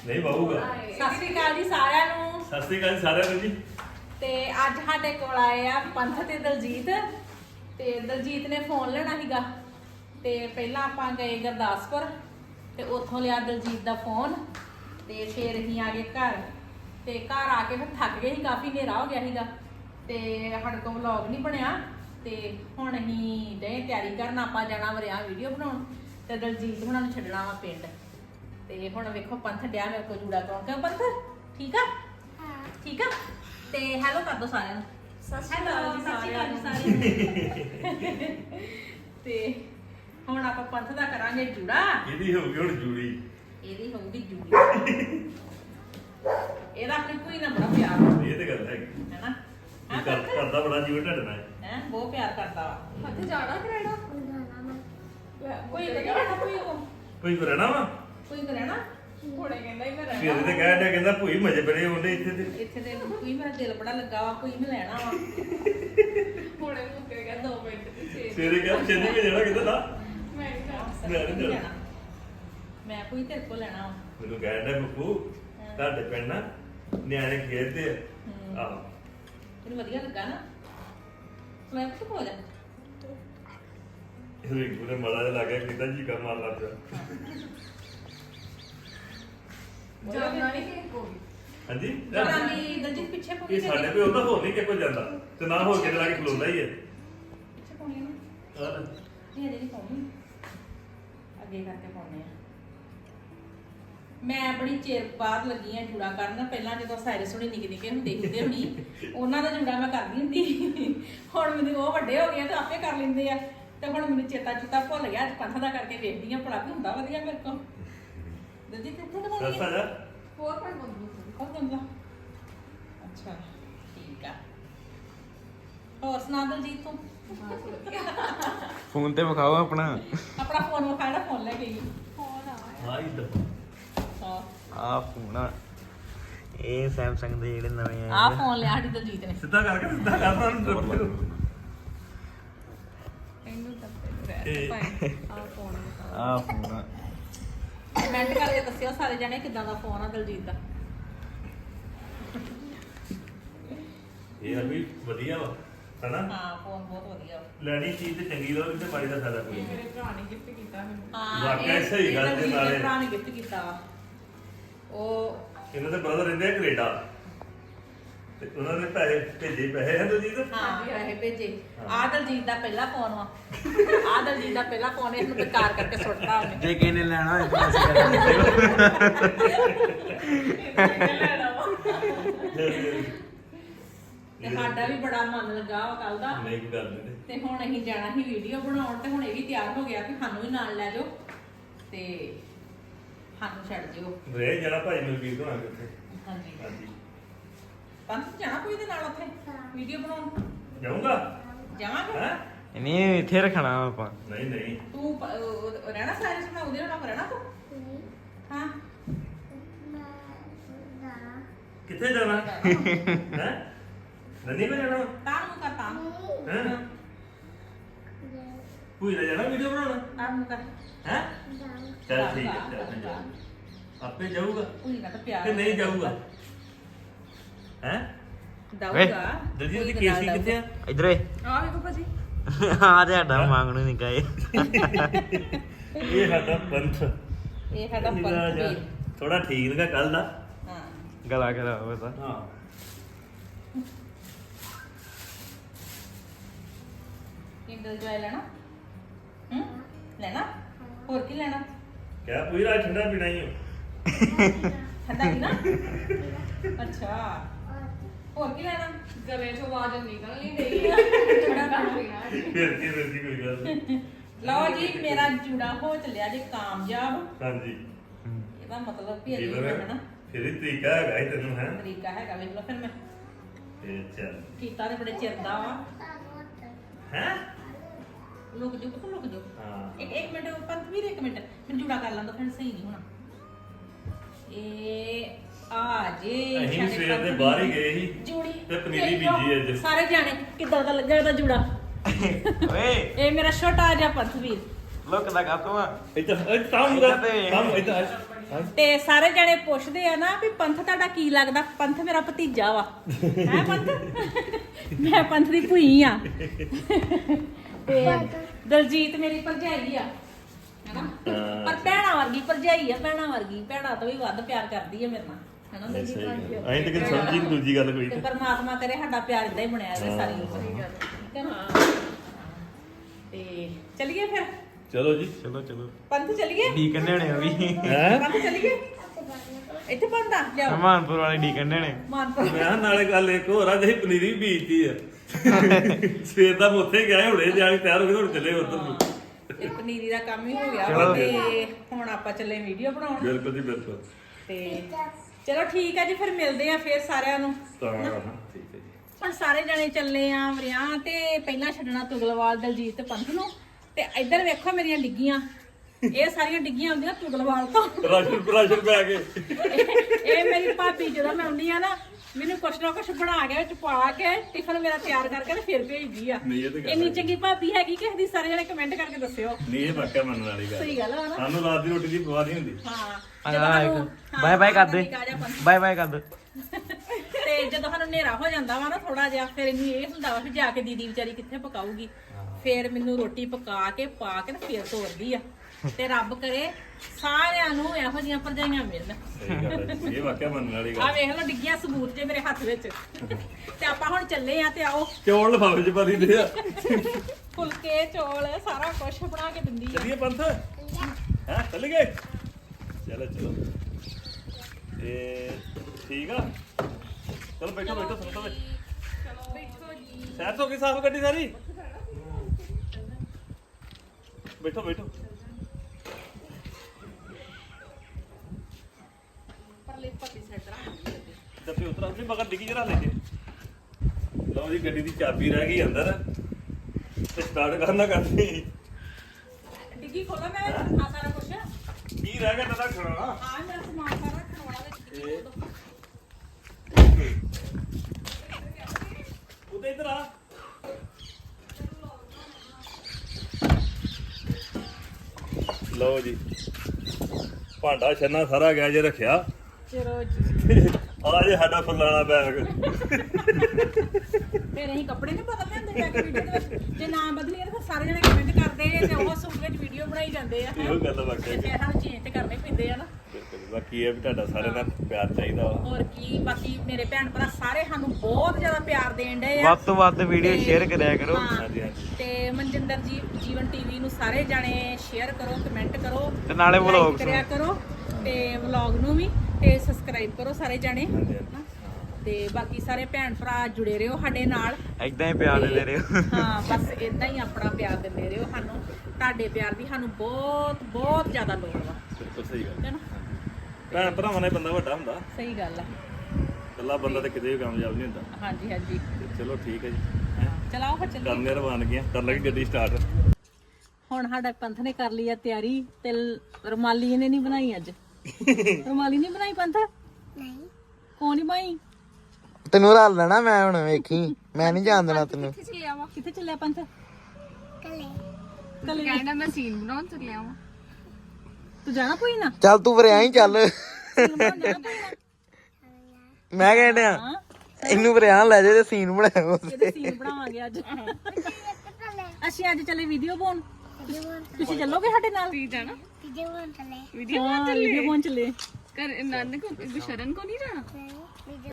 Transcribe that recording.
ਨਹੀਂ ਬਾਹੂਗਾ। ਸਤਿ ਸ਼੍ਰੀ ਅਕਾਲ ਜੀ ਸਾਰਿਆਂ ਨੂੰ। ਸਤਿ ਸ੍ਰੀ ਅਕਾਲ ਸਾਰਿਆਂ ਨੂੰ ਜੀ। ਤੇ ਅੱਜ ਸਾਡੇ ਕੋਲ ਆਏ ਆ ਪੰਥ ਤੇ ਦਲਜੀਤ। ਤੇ ਦਲਜੀਤ ਨੇ ਫੋਨ ਲੈਣਾ ਸੀਗਾ ਤੇ ਪਹਿਲਾਂ ਆਪਾਂ ਗਏ ਗੁਰਦਾਸਪੁਰ ਤੇ ਉੱਥੋਂ ਲਿਆ ਦਲਜੀਤ ਦਾ ਫੋਨ ਤੇ ਫਿਰ ਅਸੀਂ ਆ ਗਏ ਘਰ ਤੇ ਘਰ ਆ ਕੇ ਫਿਰ ਥੱਕ ਗਏ ਸੀ, ਕਾਫੀ ਹਨੇਰਾ ਹੋ ਗਿਆ ਸੀਗਾ ਤੇ ਸਾਡੇ ਕੋਲ ਵਲੌਗ ਨਹੀਂ ਬਣਿਆ ਤੇ ਹੁਣ ਅਸੀਂ ਡੇ ਤਿਆਰੀ ਕਰਨ ਆਪਾਂ ਜਾਣਾ ਵਰਿਆ ਵੀਡੀਓ ਬਣਾਉਣ ਤੇ ਦਲਜੀਤ ਹੁਣਾਂ ਨੂੰ ਛੱਡਣਾ ਵਾ ਪਿੰਡ। ਤੇ ਹੁਣ ਵੇਖੋ ਪੰਥ ਡਿਆ ਮੇਰੇ ਕੋਲ ਜੂੜਾ ਕਰਾਉਣ। ਕਿਉਂ ਪੰਥ ਠੀਕ ਆ? ਹਾਂ ਠੀਕ ਆ। ਤੇ ਹੈਲੋ ਕਰ ਦੋ ਸਾਰਿਆਂ ਨੂੰ। ਹੈਲੋ ਸਤਿ ਸ਼੍ਰੀ ਅਕਾਲ ਜੀ ਸਾਰਿਆਂ ਨੂੰ। ਤੇ ਹੁਣ ਆਪਾਂ ਪੰਥ ਦਾ ਕਰਾਂਗੇ ਜੂੜਾ। ਇਹਦੀ ਹੋਊਗੀ ਹੁਣ ਜੂੜੀ। ਇਹਦੀ ਹੋਊਗੀ ਜੂੜੀ। ਇਹਦਾ ਆਪਣੀ ਕੋਈ ਨਾ ਬੜਾ ਪਿਆਰ ਇਹ ਤੇ ਗੱਲ ਹੈਗੀ। ਹੈਨਾ? ਇਹ ਕਰਦਾ ਬੜਾ ਜੀਵ ਢੱਡਣਾ ਹੈ। ਹੈ ਬਹੁਤ ਪਿਆਰ ਕਰਦਾ ਵਾ। ਹੱਥ ਜਾਣਾ ਕੈਨੇਡਾ ਕੋਈ ਤਾਂ ਰਹਿਣਾ ਕੋਈ ਕੋ ਰਹਿਣਾ ਵਾ ਕੋਈ ਤਾਂ ਰਹਿਣਾ ਹੁਣੇ ਕਹਿੰਦਾ ਹੀ ਮੈਂ ਫਿਰ ਤੇ ਕਹਿ ਰਿਹਾ ਕਹਿੰਦਾ ਭੂਈ ਮਜੇ ਬੜੇ ਹੁੰਦੇ ਇੱਥੇ ਤੇ ਇੱਥੇ ਤੇ ਕੋਈ ਮੇਰਾ ਦਿਲ ਬੜਾ ਲੱਗਾ ਵਾ, ਕੋਈ ਮੈਂ ਲੈਣਾ ਵਾ। ਹੁਣੇ ਮੁੱਕੇਗਾ 2 ਮਿੰਟ ਪਿੱਛੇ ਸਵੇਰੇ ਕਹਿੰਦਾ ਚੰਨੀ ਵੀ ਜਾਣਾ ਕਿਤੇ ਨਾ ਮੈਂ ਨਹੀਂ ਜਾਣਾ। ਮੈਂ ਨਹੀਂ ਜਾਣਾ। ਮੈਂ ਕੋਈ ਤੇਰੇ ਕੋਲ ਲੈਣਾ ਵਾ। ਮੈਨੂੰ ਕਹਿੰਦਾ ਬੱਬੂ ਤੁਹਾਡੇ ਪਿੰਡ ਨਾ ਨਿਆਣੇ ਖੇਡਦੇ ਆ। ਆਹੋ ਤੈਨੂੰ ਵਧੀਆ ਲੱਗਾ ਨਾ? ਮੈਂ ਕਿੱਥੇ ਹੋ ਜਾ ਇਹ ਵੀ ਪੂਰੇ ਮੜਾ ਜਿਹਾ ਲੱਗਿਆ ਕਿਦਾਂ ਜੀ ਕਰ ਮਾਰ ਲੱਗ ਪਿਆ। ਜਾਣਾ ਨਹੀਂ ਕਿ ਕੋਈ ਹਾਂਜੀ ਰਾਮੀ ਦਲਜੀਤ ਪਿੱਛੇ ਪੋਣੀ ਇਹ ਸਾਡੇ ਕੋਲ ਉਹਦਾ ਹੋਰ ਨਹੀਂ ਕਿ ਕੋਈ ਜਾਂਦਾ ਤੇ ਨਾ ਹੋਰ ਕਿਤੇ ਲਾ ਕੇ ਖਲੋਂਦਾ ਹੀ ਹੈ। ਪਿੱਛੇ ਪੋਣੀ ਨਾ ਹਾਂ ਇਹ ਨਹੀਂ ਪਾਉਣੀ, ਅੱਗੇ ਕਰਕੇ ਪਾਉਣੇ ਆ। ਮੈਂ ਬੜੀ ਚਿਰ ਬਾਅਦ ਲੱਗੀ ਆ ਜੂੜਾ ਕਰਨ। ਪਹਿਲਾਂ ਜਦੋਂ ਸਾਇਰਸ ਹੁਣੀ ਨਿੱਕੇ ਹੁੰਦੇ ਹੁਣੀ ਉਹਨਾਂ ਦਾ ਜੂੜਾ ਮੈਂ ਕਰਦੀ ਹੁੰਦੀ। ਹੁਣ ਮੈਨੂੰ ਉਹ ਵੱਡੇ ਹੋ ਗਏ ਤੇ ਆਪੇ ਕਰ ਲੈਂਦੇ ਆ ਤੇ ਹੁਣ ਮੈਨੂੰ ਚੇਤਾ ਭੁੱਲ ਗਿਆ। ਅੱਜ ਪੰਥ ਦਾ ਕਰਕੇ ਵੇਖਦੀ ਆ ਭਲਾ ਵੀ ਹੁੰਦਾ ਵਧੀਆ ਮੇਰੇ ਕੋਲ। ਦਲਜੀਤ ਕਿੱਥੇ ਲਗਾਉਣੀ ਦੱਸ ਆ ਜਾ। 4.1 ਕੌਣ ਦਿੰਦਾ? ਅੱਛਾ ਠੀਕ ਆ। ਹੋਰ ਸੁਣਾ ਦਲਜੀਤ ਤੂੰ? ਫੋਨ ਤੇ ਵਿਖਾਓ ਆਪਣਾ ਆਪਣਾ ਫੋਨ ਵਿਖਾਣਾ, ਫੋਨ ਲੈ ਕੇ ਗਈ। ਫੋਨ ਆ ਹਾਂ ਇਦਾਂ ਹਾਂ ਆ ਫੋਨ ਆ। ਇਹ ਸੈਮਸੰਗ ਦੇ ਜਿਹੜੇ ਨਵੇਂ ਆਹ ਫੋਨ ਲਿਆ ਸਾਡੀ ਦਲਜੀਤ ਨੇ। ਸਿੱਧਾ ਕਰਕੇ ਸਿੱਧਾ ਕਰਦਾ ਉਹਨੂੰ ਇਹਨੂੰ ਦੱਬੇ ਰਹਿ ਪਾਏ ਆ ਫੋਨ ਆ ਫੋਨ ਆ। ਕਮੈਂਟ ਕਰਕੇ ਦੱਸਿਓ ਸਾਰੇ ਜਣੇ ਕਿਦਾਂ ਦਾ ਫੋਨ ਆ ਦਲਜੀਤ ਦਾ। ਇਹ ਆ ਵੀ ਵਧੀਆ ਵਾ ਹਨਾ। ਹਾਂ ਫੋਨ ਬਹੁਤ ਵਧੀਆ ਵਾ। ਲੈਣੀ ਚੀਜ਼ ਤੇ ਚੰਗੀ ਲਓ ਤੇ ਮਾੜੀ ਦਾ ਫਾਇਦਾ ਕੋਈ ਇਹ ਨਹੀਂ। ਮੇਰੇ ਭਰਾ ਨੇ ਗਿਫਟ ਕੀਤਾ ਮੈਨੂੰ। ਹਾਂ ਵਾਕਿਆ ਇਹ ਸਹੀ ਗੱਲ ਦੇ ਦਲਜੀਤ ਨਾਲੇ। ਭਰਾ ਨੇ ਗਿਫਟ ਕੀਤਾ ਵਾ। ਉਹ ਇਹਨਾਂ ਦੇ ਬ੍ਰਦਰ ਰਹਿੰਦੇ ਆ ਕੈਨੇਡਾ ਤੇ ਉਹਨਾਂ ਨੇ ਪੈਸੇ ਹੈ ਦਲਜੀਤ। ਹਾਂ ਪੈਸੇ ਭੇਜੇ। ਆਹ ਦਲਜੀਤ ਦਾ ਪਹਿਲਾ ਫੋਨ ਵਾ। ਆਹ ਦਲਜੀਤ ਦਾ ਪਹਿਲਾ ਫੋਨ, ਇਹਨੂੰ ਬੇਕਾਰ ਕਰਕੇ ਸੁੱਟਤਾ ਉਹਨੇ। ਜੇ ਕਿਸੇ ਨੇ ਲੈਣਾ ਹੋਏ ਤਾਂ ਅਸੀਂ ਕਰ ਦਿੰਦੇ ਲੈਣਾ ਵਾ। ਤੇ ਸਾਡਾ ਵੀ ਬੜਾ ਮਨ ਲੱਗਾ ਵਾ ਕੱਲ ਦਾ। ਨਹੀਂ ਕੋਈ ਗੱਲ ਨਹੀਂ ਤੇ ਹੁਣ ਅਸੀਂ ਜਾਣਾ ਸੀ ਵੀਡੀਓ ਬਣਾਉਣ ਤੇ ਹੁਣ ਇਹ ਵੀ ਤਿਆਰ ਹੋ ਗਿਆ ਕਿ ਸਾਨੂੰ ਵੀ ਨਾਲ ਲੈ ਜਾਓ ਤੇ ਸਾਨੂੰ ਛੱਡ ਜਿਓ। ਰੇ ਜਣਾ ਭਾਈ ਮਲਵੀਰ ਤੋਂ ਆਗੇ ਉੱਥੇ। ਹਾਂਜੀ ਹਾਂਜੀ ਪੰਥ ਜਾਣਾ ਕੋਈ ਦੇ ਨਾਲ ਉੱਥੇ ਵੀਡੀਓ ਬਣਾਉਣ? ਜਾਊਂਗਾ ਜਾਵਾਂਗੇ। ਹੈ ਨਹੀਂ ਇੱਥੇ ਰੱਖਣਾ ਆਪਾਂ। ਨਹੀਂ ਨਹੀਂ ਤੂੰ ਰਹਿਣਾ ਸਾਰੇ ਸੁਣਾ ਉਹਦੇ ਨਾਲ ਰਹਿਣਾ ਤੂੰ? ਹਾਂ ਕਿੱਥੇ ਜਾਣਾ ਹੈ ਨੰਨੀ ਕੋ ਜਾਣਾ ਤਾਂ ਨੂੰ ਕਰ ਤਾਂ ਹੈ ਕੋਈ ਨਾ ਜਾਣਾ ਵੀਡੀਓ ਬਣਾਉਣਾ ਤਾਂ ਨੂੰ ਕਰ ਹੈ ਚੱਲ ਠੀਕ ਹੈ ਚੱਲ ਜਾ। ਆਪੇ ਜਾਊਗਾ ਕੋਈ ਨਾ ਤਾਂ ਪਿਆਰ ਕਿ ਨਹੀਂ ਜਾਊਗਾ ਹੈ ਦਊਗਾ। ਦਲਜੀਤ ਦੀ ਕੇਸੀ ਕਿੱਥੇ ਆ ਇਧਰ ਏ ਆ ਵੇਖੋ ਭਾਜੀ ਆ ਤੇ ਸਾਡਾ ਮੰਗ ਨੂੰ ਨਿਕਾਏ। ਇਹ ਸਾਡਾ ਪੰਥ ਇਹ ਸਾਡਾ ਪੰਥ ਵੀਰ। ਥੋੜਾ ਠੀਕ ਲਗਾ ਕੱਲ ਦਾ। ਹਾਂ ਗਲਾ ਖਰਾਬ ਹੋਇਆ ਤਾਂ। ਹਾਂ ਕਿੰਡਲ ਜੋਏ ਲੈਣਾ? ਹੂੰ ਲੈਣਾ? ਹੋਰ ਕੀ ਲੈਣਾ? ਕਿਆ ਪੂਰੀ ਰਾਤ ਠੰਡਾ ਪੀਣਾ ਹੀ ਹੋ ਠੰਡਾ ਕੀ ਨਾ? ਅੱਛਾ ਹੋਰ ਕੀ ਲੈਣਾ? ਗਲੇ ਚੋਂ ਆਵਾਜ਼ ਨਿਕਲ ਨਹੀਂ ਰਹੀ ਆ ਥੋੜਾ ਪੀਣਾ ਫਿਰ ਕੀ ਕੋਈ ਗੱਲ ਨਹੀਂ। ਲਓ ਜੀ ਮੇਰਾ ਜੂੜਾ ਹੋ ਚੱਲਿਆ ਜੀ ਕਾਮਯਾਬ। ਹਾਂਜੀ ਇਹਦਾ ਮਤਲਬ ਵੀ ਅਜੇ ਜੀਵਨ ਹੈ ਨਾ ਫਿਰ ਇਹ ਤਰੀਕਾ ਹੈਗਾ ਹੀ ਤੈਨੂੰ ਹੈ ਤਰੀਕਾ ਹੈਗਾ ਵੇਖ ਲਓ। ਫਿਰ ਮੈਂ ਇਹ ਚੱਲ ਕੀਤਾ ਤੇ ਬੜੇ ਚਿਰ ਦਾ ਵਾ। ਹੈ ਲੁਕ ਜੋ ਪੁੱਤ ਲੁਕ ਜੋ। ਹਾਂ ਇੱਕ ਮਿੰਟ ਪੰਤ ਵੀਰ, ਇੱਕ ਮਿੰਟ ਮੈਨੂੰ ਜੂੜਾ ਕਰ ਲਾਂ ਤਾਂ ਫਿਰ ਸਹੀ ਨਹੀਂ ਹੋਣਾ। ਇਹ ਆ ਜੇ ਅਸੀਂ ਵੀ ਸਵੇਰ ਦੇ ਬਾਹਰ ਹੀ ਗਏ ਸੀ ਜੂੜੀ ਤੇ ਪਨੀਰੀ ਬੀਜੀ ਅੱਜ। ਸਾਰੇ ਜਾਣੇ ਕਿੱਦਾਂ ਦਾ ਲੱਗਾ ਇਹਦਾ ਜੂੜਾ? ਓਏ ਇਹ ਮੇਰਾ ਛੋਟਾ ਜਿਹਾ ਪੰਥ ਵੀਰ। ਲੋਕ ਦਾ ਕਾਤੋਂ ਆ। ਇੱਧਰ ਤਾਂ ਮੁੰਡਾ ਕੰਮ ਇੱਧਰ ਤੇ ਸਾਰੇ ਜਣੇ ਪੁੱਛਦੇ ਆ ਨਾ ਵੀ ਪੰਥ ਤੁਹਾਡਾ ਕੀ ਲੱਗਦਾ? ਪੰਥ ਮੇਰਾ ਭਤੀਜਾ ਵਾ ਹੈ ਪੰਥ। ਮੈਂ ਪੰਥ ਦੀ ਭੂਈ ਆ ਤੇ ਦਲਜੀਤ ਮੇਰੀ ਭਰਜਾਈ ਆ ਹੈਨਾ। ਪਰ ਭੈਣਾਂ ਵਰਗੀ ਭਰਜਾਈ ਆ, ਭੈਣਾਂ ਵਰਗੀ, ਭੈਣਾਂ ਤੋਂ ਵੀ ਵੱਧ ਪਿਆਰ ਕਰਦੀ ਆ ਮੇਰੇ ਨਾਲ ਹੈਨਾ ਦਲਜੀਤ। ਅਸੀਂ ਤਾਂ ਕਿ ਸਮਝੀ ਨੀ ਦੂਜੀ ਗੱਲ ਕੋਈ ਤੇ ਤੇ ਪਰਮਾਤਮਾ ਕਰੇ ਸਾਡਾ ਪਿਆਰ ਇਦਾਂ ਹੀ ਬਣਿਆ ਰਹੇ ਸਾਰੀ ਉਮਰ। ਠੀਕ ਹੈ ਨਾ। ਤੇ ਚਲੀਏ ਫਿਰ ਚਲੋ ਜੀ। ਚਲੋ ਚਲੋ ਪੰਥ ਚਲੀਏ। ਡੀ ਕੰਨੇ ਹੋਣੇ ਆ ਵੀ ਹੈ ਪੰਥ ਚਲੀਏ ਇੱਥੇ ਪੰਥ ਆ ਲਿਆਓ ਮਾਨਪੁਰ ਵਾਲੇ ਡੀ ਕੰਨੇ ਨੇ। ਮਾਨਪੁਰ ਮੈਂ ਕਿਹਾ ਨਾਲੇ ਗੱਲ ਇੱਕ ਹੋਰ ਆ, ਜਿਹੀ ਪਨੀਰੀ ਬੀਜਤੀ ਆ ਸਵੇਰ ਦਾ ਮੈਂ ਉੱਥੇ ਗਿਆ ਹੁਣੇ ਜਾਣੀ ਤਿਆਰ ਹੋ ਕੇ ਹੁਣ ਚੱਲੇ ਉਧਰ ਨੂੰ। ਇਹ ਪਨੀਰੀ ਦਾ ਕੰਮ ਹੀ ਹੋ ਗਿਆ ਵਾ ਚਲੋ। ਤੇ ਹੁਣ ਆਪਾਂ ਚੱਲੇ ਵੀਡੀਓ ਬਣਾਉਣ। ਬਿਲਕੁਲ ਜੀ ਬਿਲਕੁਲ। ਤੇ ਚਲੋ ਠੀਕ ਹੈ ਜੀ, ਫਿਰ ਮਿਲਦੇ ਆ ਫਿਰ ਸਾਰਿਆਂ ਨੂੰ। ਤਾਂ ਠੀਕ ਹੈ ਜੀ। ਹੁਣ ਸਾਰੇ ਜਣੇ ਚੱਲੇ ਆ ਵਰਿਆਂ ਤੇ ਪਹਿਲਾਂ ਛੱਡਣਾ ਤੁਗਲਵਾਲ ਦਲਜੀਤ ਤੇ ਪੰਥ ਨੂੰ। ਤੇ ਇੱਧਰ ਵੇਖੋ ਮੇਰੀਆਂ ਡਿੱਗੀਆਂ, ਇਹ ਸਾਰੀਆਂ ਡਿੱਗੀਆਂ ਹੁੰਦੀਆਂ ਤੁਗਲਵਾਲ ਤੋਂ। ਰਾਸ਼ਨ ਪੈ ਗਏ। ਇਹ ਮੇਰੀ ਭਾਬੀ ਜਦੋਂ ਮੈਂ ਆਉਂਦੀ ਆ ਨਾ, ਮੈਨੂੰ ਕੁਛ ਨਾ ਕੁਛ ਬਣਾ ਕੇ ਵਿੱਚ ਪਾ ਕੇ ਟਿਫਨ ਮੇਰਾ ਤਿਆਰ ਕਰਕੇ ਤੇ ਫਿਰ ਭੇਜਦੀ ਆ। ਨਹੀਂ ਇਹ ਤਾਂ ਗੱਲ ਇੰਨੀ ਹੈ। ਚੰਗੀ ਭਾਬੀ ਹੈਗੀ ਕਿਸੇ ਦੀ, ਸਾਰੇ ਜਣੇ ਕਮੈਂਟ ਕਰਕੇ ਦੱਸਿਓ। ਨਹੀਂ ਇਹ ਵਾਕਿਆ ਮੰਨਣ ਵਾਲੀ ਗੱਲ। ਸਹੀ ਗੱਲ ਆ ਨਾ। ਸਾਨੂੰ ਰਾਤ ਦੀ ਰੋਟੀ ਦੀ ਪਰਵਾਹ ਨਹੀਂ ਹੁੰਦੀ। ਹਾਂ ਜਦੋਂ ਸਾਨੂੰ- ਹਾਂ, ਬਾਏ ਬਾਏ ਕਰ ਦੇ, ਠੀਕ ਆ ਜਾ ਪੰਥ। ਬਾਏ ਬਾਏ ਕਰ ਦੇ। ਤੇ ਜਦੋਂ ਸਾਨੂੰ ਹਨੇਰਾ ਹੋ ਜਾਂਦਾ ਵਾ ਨਾ ਥੋੜਾ ਜਿਹਾ, ਫਿਰ ਇਹਨੂੰ ਇਹ ਹੁੰਦਾ ਵਾ ਵੀ ਜਾ ਕੇ ਦੀਦੀ ਵਿਚਾਰੀ ਕਿੱਥੇ ਪਕਾਊਗੀ। ਫਿਰ ਮੈਨੂੰ ਰੋਟੀ ਪਕਾ ਕੇ ਪਾ ਕੇ ਤੇ ਫਿਰ ਤੋਰਦੀ ਆ। ਤੇ ਰੱਬ ਕਰੇ ਸਾਰਿਆਂ ਨੂੰ ਇਹੋ ਜਿਹੀਆਂ ਭਰਜਾਈਆਂ ਮਿਲਣ। ਸਹੀ ਗੱਲ ਹੈ ਜੀ, ਇਹ ਵਾਕਿਆ ਮੰਨਣ ਵਾਲੀ ਆ ਗੱਲ। ਵੇਖ ਲਓ ਡਿੱਗੀਆਂ ਸਬੂਤ ਜੇ ਮੇਰੇ ਹੱਥ ਵਿੱਚ। ਤੇ ਆਪਾਂ ਹੁਣ ਚੱਲੇ ਆ ਤੇ ਆਓ ਚੌਲ ਲਫਾਫੇ ਚ ਪਾ ਦਿੰਦੇ ਆ। ਫੁਲਕੇ ਚੌਲ ਸਾਰਾ ਕੁਝ ਬਣਾ ਕੇ ਦਿੰਦੀ ਆ। ਚੱਲੀਏ ਪੰਥ ਹੈ ਚੱਲ ਗਏ। ਚਲੋ ਚਲੋ ਇਹ ਠੀਕ ਆ। ਚਲੋ ਬੈਠੋ ਬੈਠੋ ਸੰਗਤ ਵਿੱਚ। ਚਲੋ ਬੈਠੋ ਜੀ। ਸੈਰ ਤੋਂ ਕੀ ਸਾਫ ਗੱਡੀ ਸਾਰੀ। ਬੈਠੋ ਬੈਠੋ। ਪਰਲੇ ਪੱਟੀ ਸਾਈਡ ਰਾ ਦੱਬੇ ਉਤਰਾ ਆਪਣੀ ਮਗਰ ਡਿੱਗੀ ਜਰਾ ਲੈ ਕੇ। ਲਓ ਜੀ ਗੱਡੀ ਦੀ ਚਾਬੀ ਰਹਿ ਗਈ ਅੰਦਰ ਤੇ ਸਟਾਰਟ ਕਰਨਾ ਕਰਨੀ। ਡਿੱਗੀ ਖੋਲਾ ਮੈਂ ਆ ਸਾਰਾ ਕੁਝ। ਕੀ ਰਹਿ ਗਿਆ ਤਦਾ ਖਣਾ। ਆ ਮੇਰਾ ਸਮਾਨ ਸਾਰਾ ਰੱਖਣ ਵਾਲਾ ਵਿੱਚ ਡਿੱਗੀ ਖੋਲ ਦੋ। ਉਹਦੇ ਇਧਰ ਆ। ਲਓ ਜੀ ਭਾਂਡਾ ਛੰਨਾ ਸਾਰਾ ਗਿਆ ਜੇ ਰੱਖਿਆ। ਚਲੋ ਜੀ ਆ ਜੇ ਸਾਡਾ ਫੁੱਲਾਣਾ ਬੈਗ। ਫਿਰ ਅਸੀਂ ਕੱਪੜੇ ਨਹੀਂ ਬਦਲਨੇ ਹੁੰਦੇ ਜਾ ਕੇ ਵੀਡੀਓ ਦੇ ਵਿੱਚ। ਜੇ ਨਾ ਬਦਲੀਏ ਤਾਂ ਫਿਰ ਸਾਰੇ ਜਣੇ ਕਮੈਂਟ ਕਰਦੇ ਤੇ ਉਹ ਸੂਟ ਵਿੱਚ ਵੀਡੀਓ ਬਣਾਈ ਜਾਂਦੇ ਆ। ਇਹੋ ਗੱਲ ਵਾਕਿਆ ਤੇ ਫਿਰ ਸਾਨੂੰ ਚੇਂਜ ਤੇ ਕਰਨੇ ਪੈਂਦੇ ਆ ਨਾ। ਬਾਕੀ ਇਹ ਵੀ ਤੁਹਾਡਾ ਸਾਰਿਆਂ ਦਾ ਪਿਆਰ ਚਾਹੀਦਾ ਵਾ। ਹੋਰ ਕੀ, ਬਾਕੀ ਮੇਰੇ ਭੈਣ ਭਰਾ ਸਾਰੇ ਸਾਨੂੰ ਬਹੁਤ ਜ਼ਿਆਦਾ ਪਿਆਰ ਦੇਣ ਡਏ ਆ। ਵੱਧ ਤੋਂ ਵੱਧ ਵੀਡੀਓ ਤੇ- ਸ਼ੇਅਰ ਕਰਿਆ ਕਰੋ। ਹਾਂ, ਹਾਂਜੀ ਹਾਂਜੀ। ਤੇ ਮਨਜਿੰਦਰ ਜੀ ਜੀਵਨ ਟੀਵੀ ਨੂੰ ਸਾਰੇ ਜਾਣੇ ਸ਼ੇਅਰ ਕਰੋ, ਕਮੈਂਟ ਕਰੋ ਤੇ ਨਾਲੇ like vlog ਕਰਿਆ ਕਰੋ ਤੇ ਵਲੌਗ ਨੂੰ ਵੀ ਤੇ ਸਬਸਕ੍ਰਾਈਬ ਕਰੋ ਸਾਰੇ ਜਾਣੇ। ਹਾਂਜੀ, ਹਾਂਜੀ। ਹਨਾ। ਤੇ ਬਾਕੀ ਸਾਰੇ ਭੈਣ ਭਰਾ ਜੁੜੇ ਰਹੋ ਸਾਡੇ ਨਾਲ। ਏਦਾਂ ਹੀ ਪਿਆਰ ਦਿੰਦੇ ਰਹੋ। ਹਾਂ ਬਸ ਇਦਾਂ ਹੀ ਆਪਣਾ ਪਿਆਰ ਦਿੰਦੇ ਰਹੋ ਸਾਨੂੰ। ਤੁਹਾਡੇ ਪਿਆਰ ਦੀ ਸਾਨੂੰ ਬਹੁਤ ਬਹੁਤ ਜ਼ਿਆਦਾ ਲੋੜ ਵਾ। ਬਿਲਕੁਲ ਸਹੀ ਗੱਲ। ਠੀਕ ਹੈ ਨਾ। ਭੈਣ ਭਰਾਵਾਂ ਨਾਲ ਬੰਦਾ ਵੱਡਾ ਹੁੰਦਾ। ਸਹੀ ਗੱਲ ਆ। ਇਕੱਲਾ ਬੰਦਾ ਤੇ ਕਿਤੇ ਵੀ ਕਾਮਯਾਬ ਨਹੀਂ ਹੁੰਦਾ। ਹਾਂਜੀ ਹਾਂਜੀ। ਤੇ ਚਲੋ ਠੀਕ ਹੈ ਜੀ। ਹੈਂ। ਚਲਾਓ ਫਿਰ ਚੱਲੀਏ। ਕਰਨੇ ਰਵਾਨਗੀਆਂ ਕਰ ਲੱਗੀ ਗੱਡੀ ਸਟਾਰਟ। ਹੁਣ ਸਾਡਾ ਪੰਥ ਨੇ ਕਰ ਲਈ ਆ ਤਿਆਰੀ ਤੇ ਰੁਮਾਲੀ ਇਹਨੇ ਨਹੀਂ ਬਣਾਈ ਅੱਜ। ਰੁਮਾਲੀ ਨਹੀਂ ਬਣਾਈ ਪੰਥ? ਨਹੀਂ। ਕੌਣ ਨਹੀਂ ਬਣਾਈ? ਤੈਨੂੰ ਰਲ ਲੈਣਾ ਮੈਂ ਹੁਣ, ਵੇਖੀ ਮੈਂ ਨਹੀਂ ਜਾਣ ਦੇਣਾ ਤੈਨੂੰ। ਕਿੱਥੇ ਚੱਲਿਆ ਵਾ? ਕਿੱਥੇ ਚੱਲਿਆ ਪੰਥ? ਕੱਲੇ ਕਹਿੰਦਾ ਮੈਂ ਸੀਨ ਬਣਾਉਣ ਚੱਲਿਆ ਵਾ। ਤੂੰ ਜਾਣਾ ਪਈ ਨਾ? ਚੱਲ ਤੂੰ ਫਿਰ ਐਂ ਹੀ ਚੱਲ। ਸੀਨ ਬਣਾਉਣ ਜਾਣਾ ਪਈ ਨਾ? ਮੈਂ ਕਹਿਣ ਡਿਆ ਹਾਂ ਇਹਨੂੰ ਫਿਰ ਐਂ ਲੈ ਜਾ ਤੇ ਸੀਨ ਬਣਾਓ। ਇਹਦੇ ਸੀਨ ਬਣਾਵਾਂਗੇ ਅੱਜ। ਅਸੀਂ ਅੱਜ ਚੱਲੇ ਵੀਡੀਓ ਬਣਾਉਣ। ਤੁਸੀਂ ਚੱਲੋਗੇ ਸਾਡੇ ਨਾਲ? ਤੁਸੀਂ ਜਾਣਾ ਵੀਡੀਓ ਬਣਾਉਣ ਚੱਲੇ। ਕਰ ਨਾਨਕ ਗੁਸ਼ਰਨ ਕੋ ਨਹੀਂ ਜਾਣਾ?